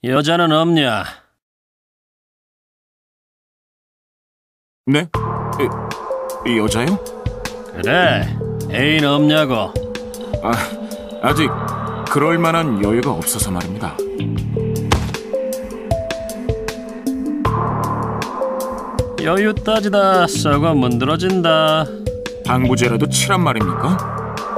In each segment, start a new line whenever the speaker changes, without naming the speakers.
여자는 없냐?
네? 여자요?
그래, 애인 없냐고.
아직 그럴 만한 여유가 없어서 말입니다.
여유 따지다 썩어 문드러진다.
방부제라도 치란 말입니까?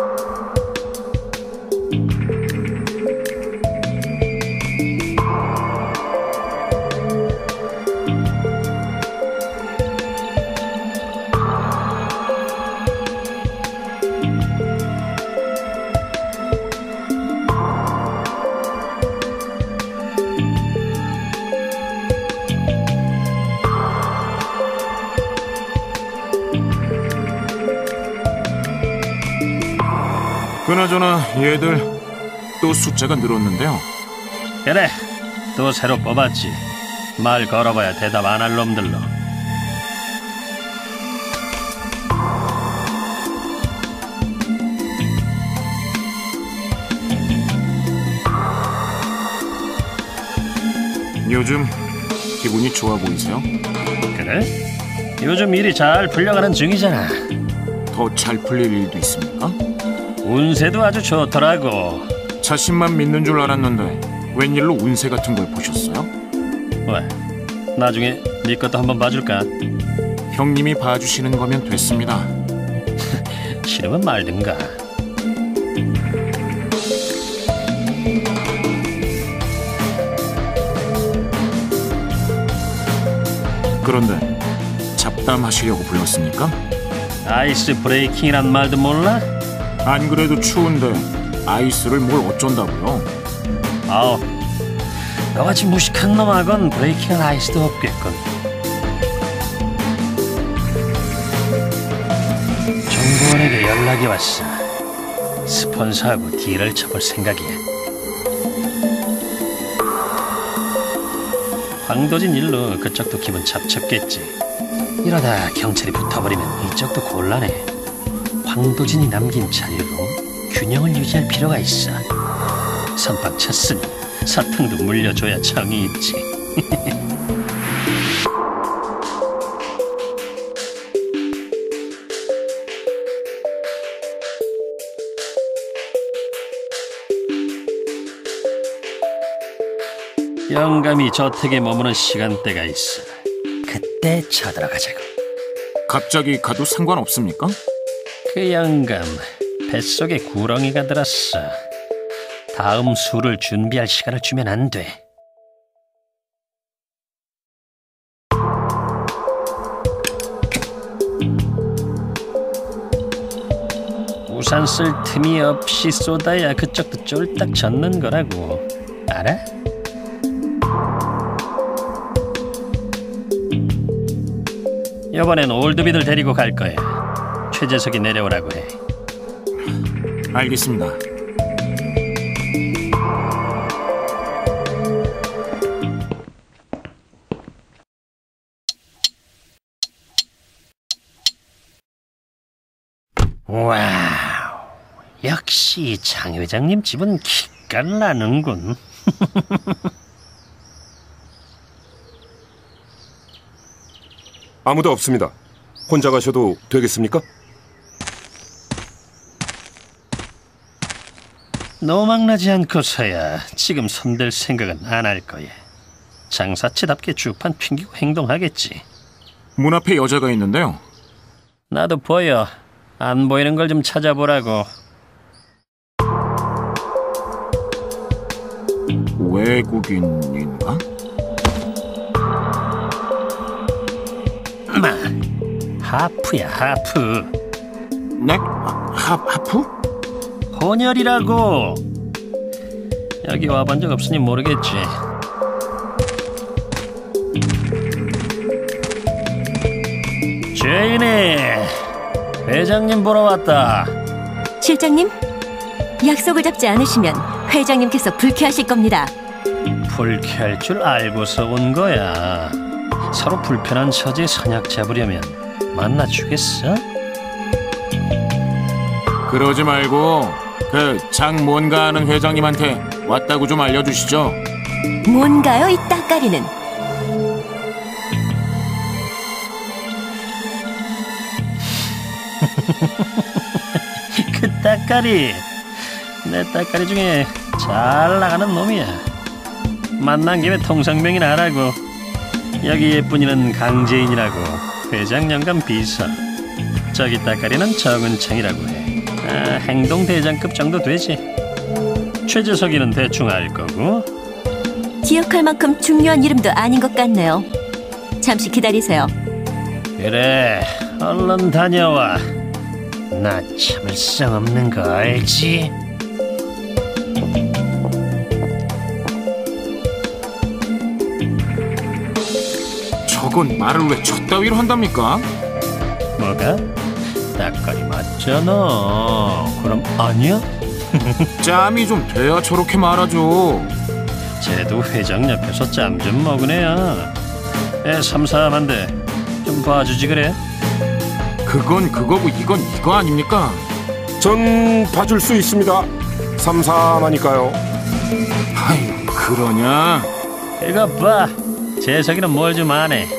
그나저나 얘들 또 숫자가 늘었는데요.
그래, 또 새로 뽑았지. 말 걸어봐야 대답 안 할 놈들로.
요즘 기분이 좋아 보이세요?
그래? 요즘 일이 잘 풀려가는 중이잖아.
더 잘 풀릴 일도 있습니까?
운세도 아주 좋더라고.
자신만 믿는 줄 알았는데 웬일로 운세 같은 걸 보셨어요?
왜? 나중에 네 것도 한번 봐줄까?
형님이 봐주시는 거면 됐습니다.
싫으면 말든가.
그런데 잡담하시려고 불렀습니까?
아이스 브레이킹이란 말도 몰라?
안 그래도 추운데 아이스를 뭘 어쩐다고요?
아우, 너같이 무식한 놈하건 브레이킹할 아이스도 없겠군. 정보원에게 연락이 왔어. 스폰서하고 딜을 쳐볼 생각이야. 황도진 일로 그쪽도 기분 잡쳤겠지. 이러다 경찰이 붙어버리면 이쪽도 곤란해. 황도진이 남긴 자료로 균형을 유지할 필요가 있어. 선빵 쳤으니 사탕도 물려줘야 정이 있지. 영감이 저택에 머무는 시간대가 있어. 그때 쳐들어가자고.
갑자기 가도 상관없습니까?
그 영감 뱃속에 구렁이가 들었어. 다음 수를 준비할 시간을 주면 안 돼. 우산 쓸 틈이 없이 쏟아야 그쪽도 쫄딱 젖는 거라고. 알아? 이번엔 올드비들 데리고 갈 거야. 최재석이 내려오라고 해.
알겠습니다.
와우, 역시 장 회장님 집은 기가 나는군.
아무도 없습니다. 혼자 가셔도 되겠습니까?
노망나지 않고서야 지금 손댈 생각은 안 할 거야. 장사치답게 주판 튕기고 행동하겠지.
문 앞에 여자가 있는데요.
나도 보여. 안 보이는 걸 좀 찾아보라고.
외국인인가?
마, 하프야, 하프.
네? 하프?
혼혈이라고. 여기 와본 적 없으니 모르겠지. 제인이, 회장님 보러 왔다.
실장님, 약속을 잡지 않으시면 회장님께서 불쾌하실 겁니다.
불쾌할 줄 알고서 온 거야. 서로 불편한 처지에 선약 잡으려면 만나주겠어?
그러지 말고 그 장 뭔가 하는 회장님한테 왔다고 좀 알려주시죠.
뭔가요, 이 따까리는?
그 따까리, 내 따까리 중에 잘 나가는 놈이야. 만난 김에 통성명이나 하라고. 여기 예쁜이는 강재인이라고, 회장 영감 비서. 저기 따까리는 정은창이라고 해. 행동대장급 정도 되지. 최재석이는 대충 알 거고.
기억할 만큼 중요한 이름도 아닌 것 같네요. 잠시 기다리세요.
그래, 얼른 다녀와. 나 참을성 없는 거 알지?
저건 말을 왜 저따위로 한답니까?
뭐가? 따까리 맞잖아. 그럼 아니야?
짬이 좀 돼야 저렇게 말하죠.
쟤도 회장 옆에서 짬 좀 먹은 애야. 애 삼삼한데 좀 봐주지 그래?
그건 그거고 이건 이거 아닙니까?
전 봐줄 수 있습니다. 삼삼하니까요.
아유, 그러냐?
이거 봐. 재석이는 뭘 좀 아네.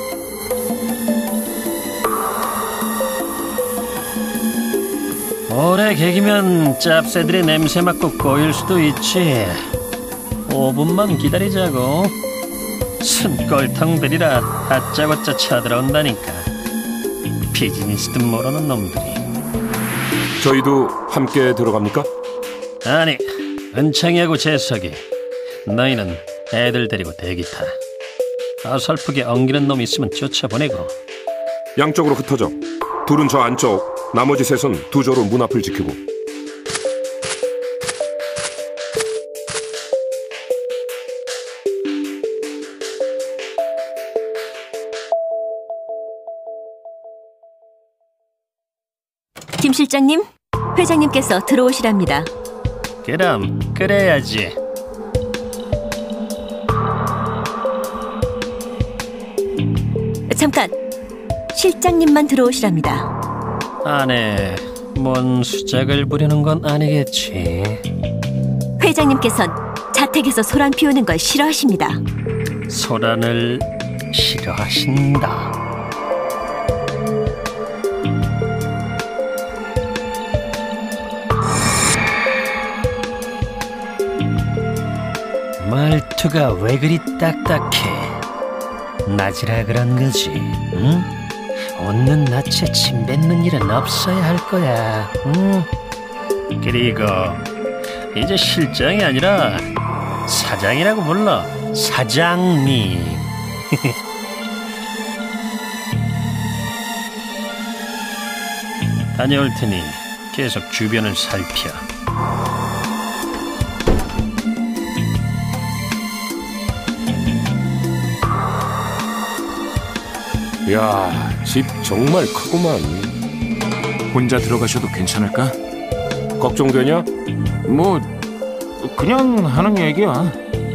오래 개기면 짭새들이 냄새 맡고 꼬일 수도 있지. 5분만 기다리자고. 순꼴탕들이라 다짜고짜 쳐들어온다니까. 비즈니스도 모르는 놈들이.
저희도 함께 들어갑니까?
아니, 은창이하고 재석이. 너희는 애들 데리고 대기 타. 어설프게 엉기는 놈 있으면 쫓아보내고.
양쪽으로 흩어져. 둘은 저 안쪽, 나머지 셋은 두 조로 문 앞을 지키고.
김 실장님, 회장님께서 들어오시랍니다.
그럼 그래야지.
잠깐, 실장님만 들어오시랍니다.
안에 뭔 수작을 부리는 건 아니겠지.
회장님께선 자택에서 소란 피우는 걸 싫어하십니다.
소란을 싫어하신다. 말투가 왜 그리 딱딱해? 낮이라 그런 거지, 응? 웃는 낯에 침 뱉는 일은 없어야 할 거야, 응? 그리고 이제 실장이 아니라 사장이라고 불러. 사장님. 다녀올 테니 계속 주변을 살펴.
이야, 집 정말 크구만.
혼자 들어가셔도 괜찮을까?
걱정되냐?
뭐 그냥 하는 얘기야.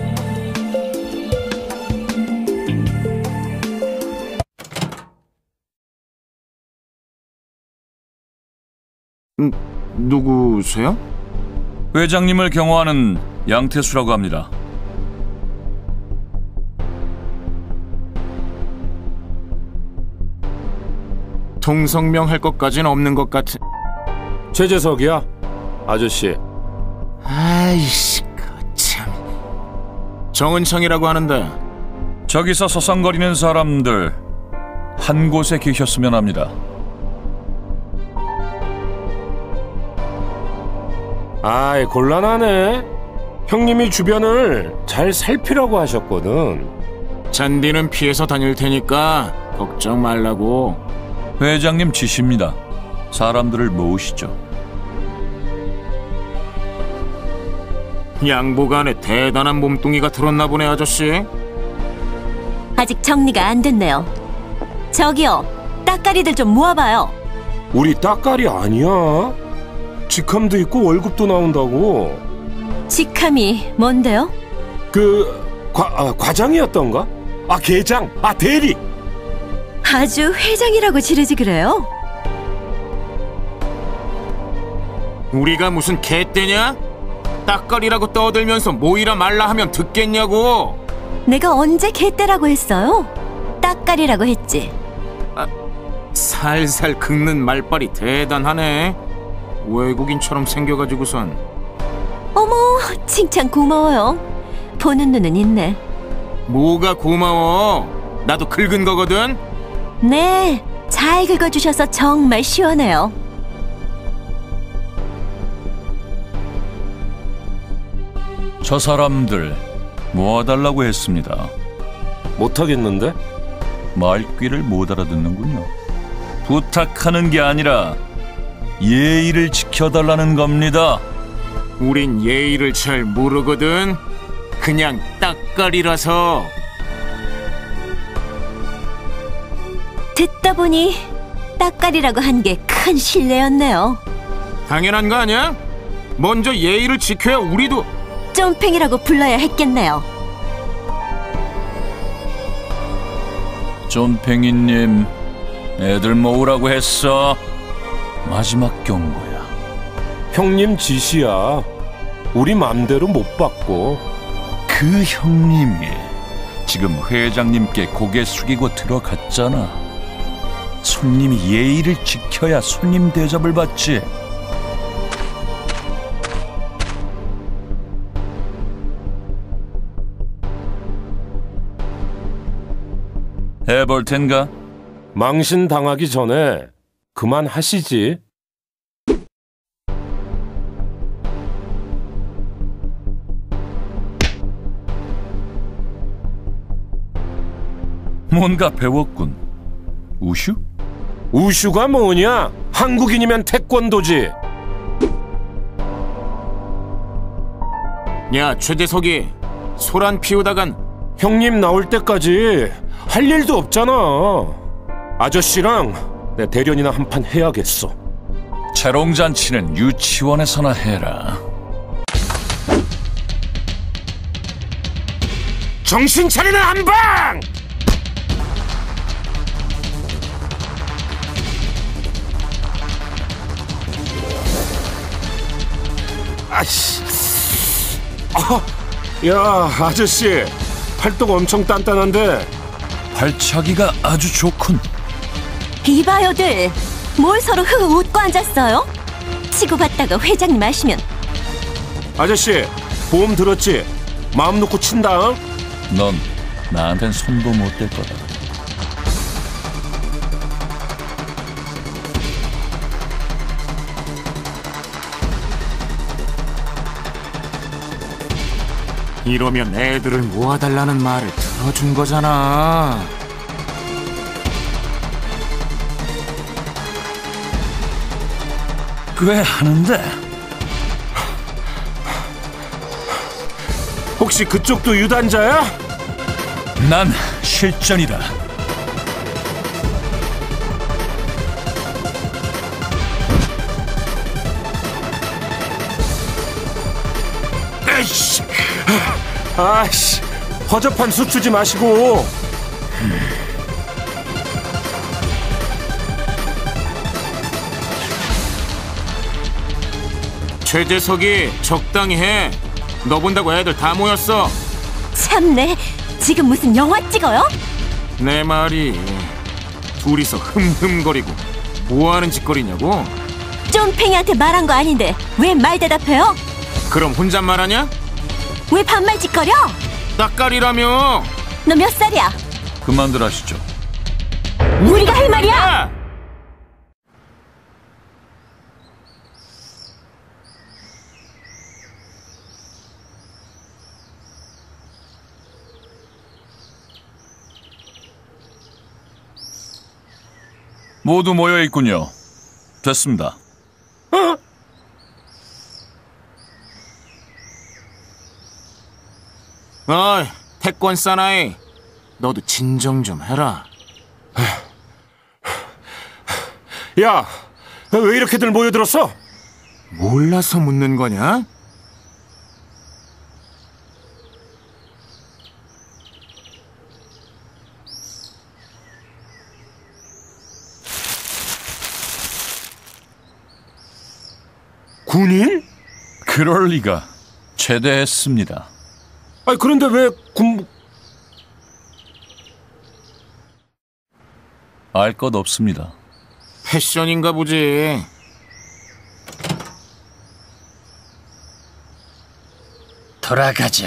누구세요?
회장님을 경호하는 양태수라고 합니다.
통성명 할 것까진 없는 것 같은.
최재석이야, 아저씨.
아이씨, 참. 정은창이라고 하는데.
저기서 서성거리는 사람들 한 곳에 계셨으면 합니다.
아이, 곤란하네. 형님이 주변을 잘 살피라고 하셨거든.
잔디는 피해서 다닐 테니까 걱정 말라고.
회장님 지시입니다. 사람들을 모으시죠.
양복 안에 대단한 몸뚱이가 들었나 보네, 아저씨.
아직 정리가 안 됐네요. 저기요, 따까리들 좀 모아봐요.
우리 따까리 아니야. 직함도 있고 월급도 나온다고.
직함이 뭔데요?
과장이었던가? 계장, 대리.
아주 회장이라고 지르지 그래요?
우리가 무슨 개떼냐? 딱거리라고 떠들면서 모이라 말라 하면 듣겠냐고.
내가 언제 개떼라고 했어요? 딱가리라고 했지.
살살 긁는 말빨이 대단하네. 외국인처럼 생겨가지고선.
어머, 칭찬 고마워요. 보는 눈은 있네.
뭐가 고마워. 나도 긁은 거거든.
네, 잘 긁어주셔서 정말 시원해요.
저 사람들 모아달라고 했습니다.
못하겠는데?
말귀를 못 알아듣는군요. 부탁하는 게 아니라 예의를 지켜달라는 겁니다.
우린 예의를 잘 모르거든. 그냥 딱거리라서.
듣다 보니 딱가리라고 한 게 큰 실례였네요.
당연한 거 아니야? 먼저 예의를 지켜야 우리도.
쫌팽이라고 불러야 했겠네요.
쫌팽이님, 애들 모으라고 했어. 마지막 경고야.
형님 지시야. 우리 맘대로 못 받고.
그 형님이 지금 회장님께 고개 숙이고 들어갔잖아. 손님이 예의를 지켜야 손님 대접을 받지. 해볼 텐가?
망신 당하기 전에 그만하시지.
뭔가 배웠군. 우슈?
우슈가 뭐냐? 한국인이면 태권도지.
야, 최재석이 소란 피우다간.
형님 나올 때까지 할 일도 없잖아. 아저씨랑 내 대련이나 한판 해야겠어.
재롱잔치는 유치원에서나 해라.
정신 차리는 한방! 아씨. 야, 아저씨 팔뚝 엄청 단단한데.
발차기가 아주 좋군.
이봐요들, 뭘 서로 흐흐 웃고 앉았어요? 치고받다가 회장님 아시면.
아저씨 보험 들었지? 마음 놓고 친다.
넌 나한텐 손도 못 댈 거다.
이러면 애들을 모아달라는 말을 들어준 거잖아.
꽤 하는데.
혹시 그쪽도 유단자야?
난 실전이다.
에이씨. 아이씨, 허접한 수 주지 마시고.
최재석이 적당히 해. 너 본다고 애들 다 모였어.
참네, 지금 무슨 영화 찍어요?
내 말이 둘이서 흠흠거리고 뭐하는 짓거리냐고.
쫌팽이한테 말한 거 아닌데 왜 말 대답해요?
그럼 혼잣말하냐?
왜 반말 짓거려?
딱가리라며.
너 몇 살이야?
그만들 하시죠.
우리가 할 말이야?
야!
모두 모여 있군요. 됐습니다.
어이, 태권 사나이, 너도 진정 좀 해라.
야, 왜 이렇게들 모여들었어?
몰라서 묻는 거냐?
군인?
그럴 리가. 제대했습니다.
아니 그런데 왜
알 것 없습니다.
패션인가 보지.
돌아가자.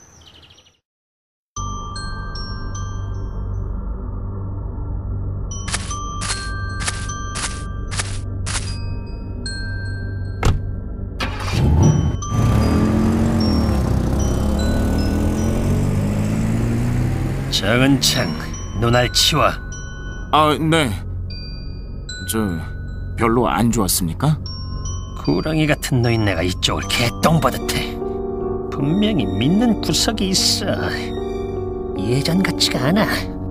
정은창, 눈알 치워.
아, 네. 별로 안 좋았습니까?
구렁이 같은 노인네가 이쪽을 개똥버듯해. 분명히 믿는 구석이 있어. 예전 같지가 않아.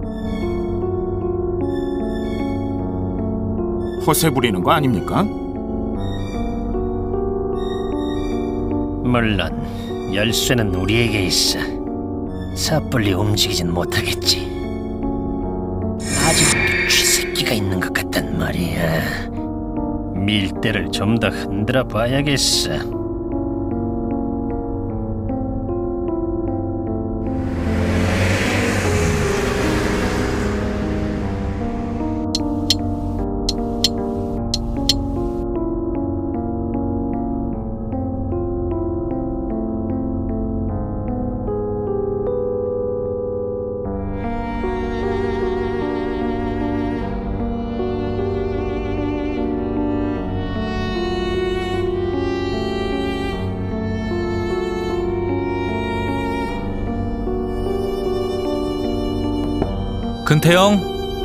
허세 부리는 거 아닙니까?
물론 열쇠는 우리에게 있어. 섣불리 움직이진 못하겠지. 아직도 쥐새끼가 있는 것 같단 말이야. 밀대를 좀 더 흔들어 봐야겠어.
근태영?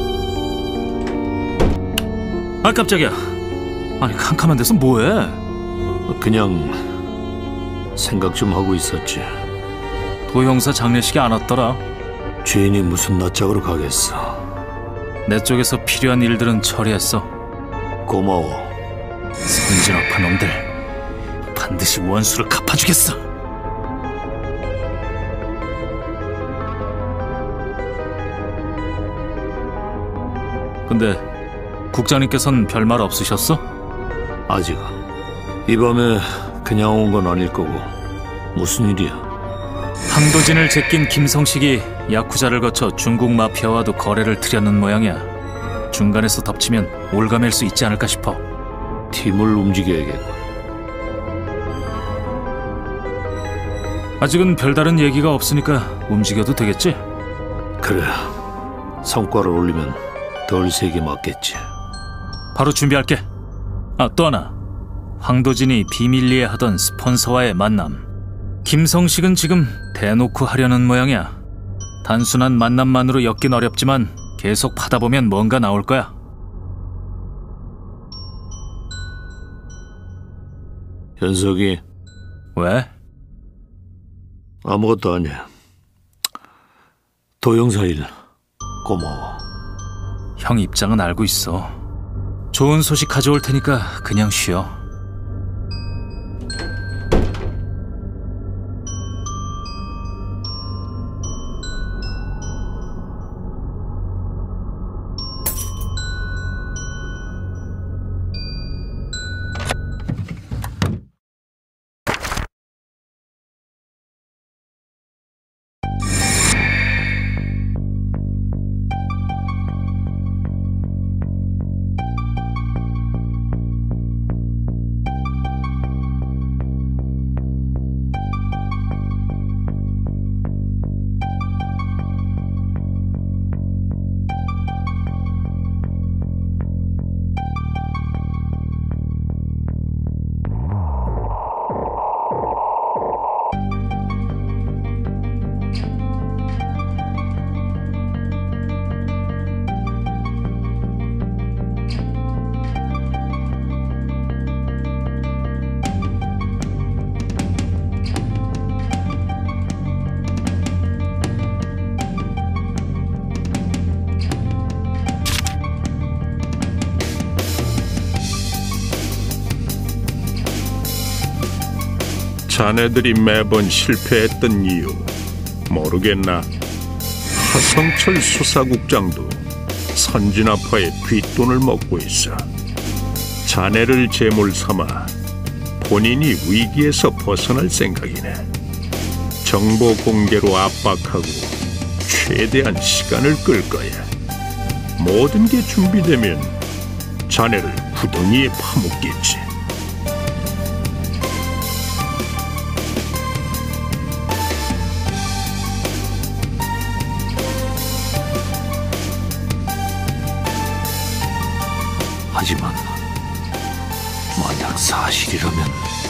아 깜짝이야. 아니 캄캄한 데서 뭐해?
그냥 생각 좀 하고 있었지.
도형사 장례식이 안 왔더라.
주인이 무슨 낯짝으로 가겠어.
내 쪽에서 필요한 일들은 처리했어.
고마워.
선진악한 놈들 반드시 원수를 갚아주겠어. 근데 국장님께서는 별말 없으셨어?
아직 이 밤에 그냥 온 건 아닐 거고. 무슨 일이야?
황도진을 제낀 김성식이 야쿠자를 거쳐 중국 마피아와도 거래를 틀려는 모양이야. 중간에서 덮치면 올가맬 수 있지 않을까 싶어.
팀을 움직여야겠고.
아직은 별다른 얘기가 없으니까 움직여도 되겠지?
그래. 성과를 올리면 덜 세게 맞겠지.
바로 준비할게. 아, 또 하나. 황도진이 비밀리에 하던 스폰서와의 만남. 김성식은 지금 대놓고 하려는 모양이야. 단순한 만남만으로 엮긴 어렵지만 계속 파다 보면 뭔가 나올 거야.
현석이.
왜?
아무것도 아니야. 도형사 일 고마워.
형 입장은 알고 있어. 좋은 소식 가져올 테니까 그냥 쉬어.
자네들이 매번 실패했던 이유 모르겠나? 하성철 수사국장도 선진아파의 뒷돈을 먹고 있어. 자네를 제물 삼아 본인이 위기에서 벗어날 생각이네. 정보 공개로 압박하고 최대한 시간을 끌 거야. 모든 게 준비되면 자네를 구덩이에 파묻겠지.
하지만 만약 사실이라면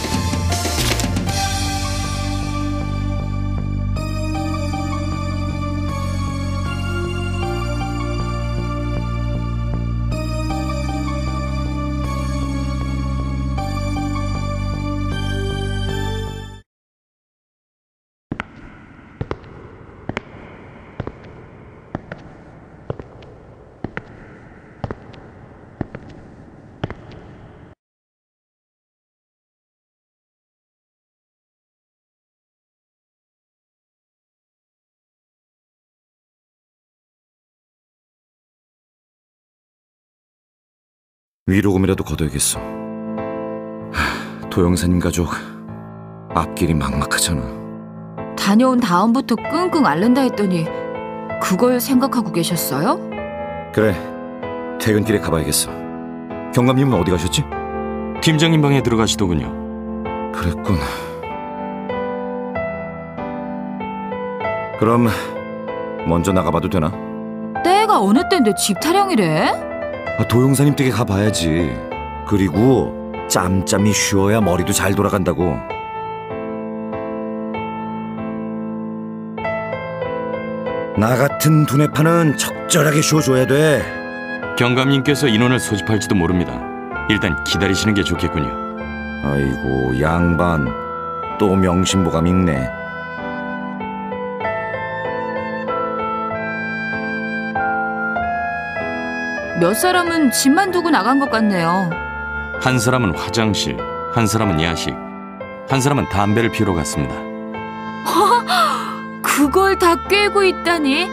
위로금이라도 걷어야겠어. 도영사님 가족 앞길이 막막하잖아.
다녀온 다음부터 끙끙 앓는다 했더니 그걸 생각하고 계셨어요?
그래, 퇴근길에 가봐야겠어. 경감님은 어디 가셨지?
팀장님 방에 들어가시더군요.
그랬군. 그럼 먼저 나가봐도 되나?
때가 어느 때인데 집 타령이래?
도영사님 댁에 가봐야지. 그리고 짬짬이 쉬어야 머리도 잘 돌아간다고. 나 같은 두뇌파는 적절하게 쉬어줘야 돼.
경감님께서 인원을 소집할지도 모릅니다. 일단 기다리시는 게 좋겠군요.
아이고, 양반 또 명심보감 있네.
몇 사람은 집만 두고 나간 것 같네요.
한 사람은 화장실, 한 사람은 야식, 한 사람은 담배를 피우러 갔습니다.
그걸 다 꿰고 있다니.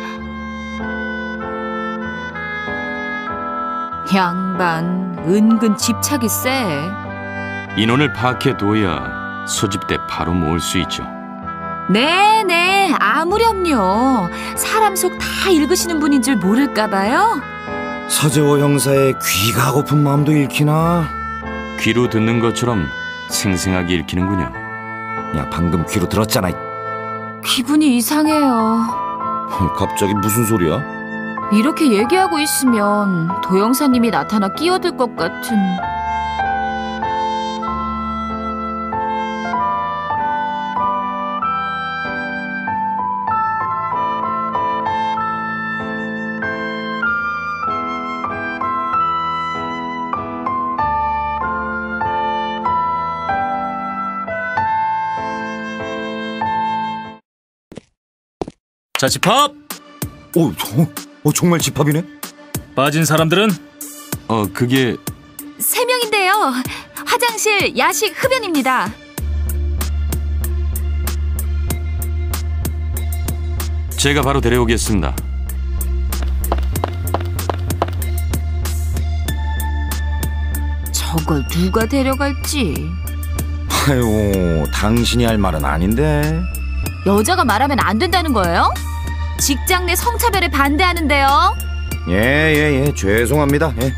양반 은근 집착이 세.
인원을 파악해둬야 소집 때 바로 모을 수 있죠.
네네, 아무렴요. 사람 속 다 읽으시는 분인 줄 모를까봐요.
서재호 형사의 귀가 고픈 마음도 읽히나?
귀로 듣는 것처럼 생생하게 읽히는군요.
야, 방금 귀로 들었잖아.
기분이 이상해요.
갑자기 무슨 소리야?
이렇게 얘기하고 있으면 도영사님이 나타나 끼어들 것 같은.
자, 집합!
정말 집합이네?
빠진 사람들은?
그게...
3명인데요. 화장실, 야식, 흡연입니다.
제가 바로 데려오겠습니다.
저걸 누가 데려갈지.
아유, 당신이 할 말은 아닌데.
여자가 말하면 안 된다는 거예요? 직장 내 성차별에 반대하는데요.
예, 죄송합니다. 예.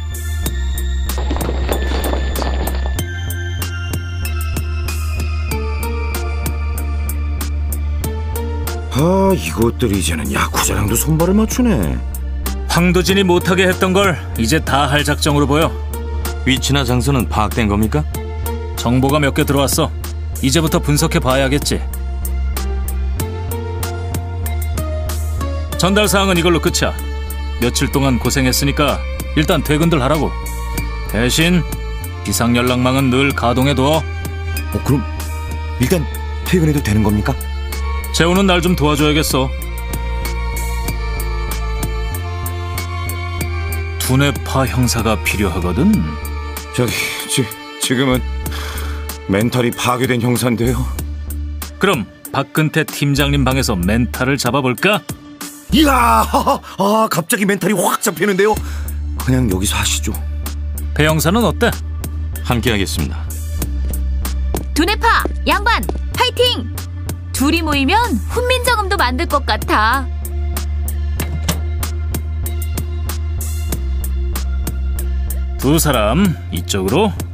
이것들이 이제는 야쿠자랑도 손발을 맞추네.
황도진이 못하게 했던 걸 이제 다 할 작정으로 보여.
위치나 장소는 파악된 겁니까?
정보가 몇 개 들어왔어. 이제부터 분석해 봐야겠지. 전달 사항은 이걸로 끝이야. 며칠 동안 고생했으니까 일단 퇴근들 하라고. 대신 비상 연락망은 늘 가동해둬.
그럼 일단 퇴근해도 되는 겁니까?
재호는 날 좀 도와줘야겠어. 두뇌파 형사가 필요하거든.
지금은 멘탈이 파괴된 형사인데요.
그럼 박근태 팀장님 방에서 멘탈을 잡아볼까?
이야, 갑자기 멘탈이 확 잡히는데요. 그냥 여기서 하시죠.
배 형사는 어때?
함께 하겠습니다.
두뇌파, 양반, 파이팅! 둘이 모이면 훈민정음도 만들 것 같아.
두 사람 이쪽으로.